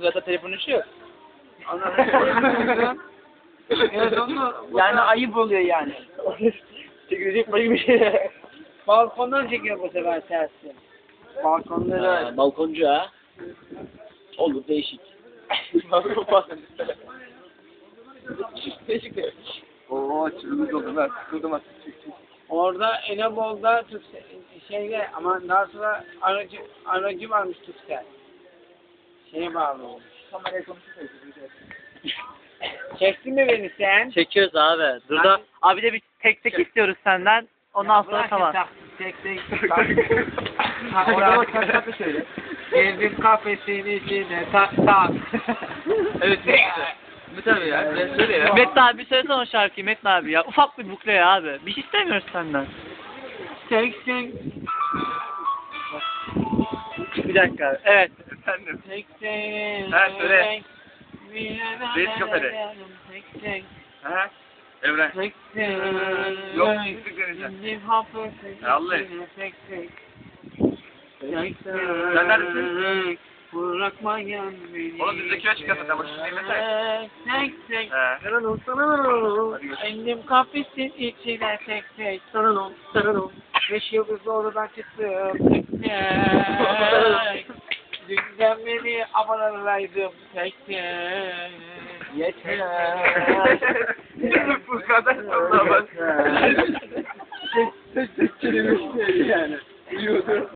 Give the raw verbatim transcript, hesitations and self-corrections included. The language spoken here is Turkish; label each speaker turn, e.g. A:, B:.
A: Zaten telefon işi yok.
B: Evet onu
A: Yani ayıp oluyor yani. Çekilecek başka bir şey.
B: balkondan çekiyor bu sefer tersi. Balkonda da
A: Ha, balkoncu ha. Olur değişik. Değişik de.
C: Oo çırpınız oldu ben sıkıldım artık.
B: orada Enebol'da Türksel şeyde ama daha sonra aracı aracı varmış Türksel. Şeye bağlı olmuş.
C: Kameraya konuşursak.
B: Çektin mi beni sen?
A: Çekiyoruz abi. Dur da abi de bir tek tek istiyoruz senden. Ondan sonra
B: Bırak
A: tamam.
B: tak, Tek tek. Ha, orada bak tak tak söyle. Girdim kafesin içine tak tak.
C: Evet. Ne tabii ya. Ben söyle ya.
A: Metin abi söylesene o şarkıyı Metin abi ya. Ufak bir bukle ya abi. Bir şey istemiyoruz senden.
B: Tek tek.
A: Bir dakika abi. Evet.
C: Efendim.
B: Tek tek.
C: Ha, söyle. Reis
B: Tek
C: kafede.
B: tek.
C: Ha? Evren.
B: Tek tek.
C: Yok, gittik deneyeceğim.
B: Girdim kafesin
C: Ya Allah.
B: içine tek tek. Tek tek.
C: Sen neredesin?
B: Bırakmayan beni.
C: Oğlum bizdeki aç çıkarsa sen başını dinlesene.
B: Tek tek.
C: He.
B: Sana ol, sana ol.
C: Hadi görüşürüz.
B: Endim kafesin içine tek tek. Sana ol, sana ol. Beş yıldız oradan çıktım. Tek tek. Dünden beri abonelerdeydim. Tek tek. Yeter.
C: Bu kadar sonra bak.
B: Tek tek kelime yani.
C: Yiyordu.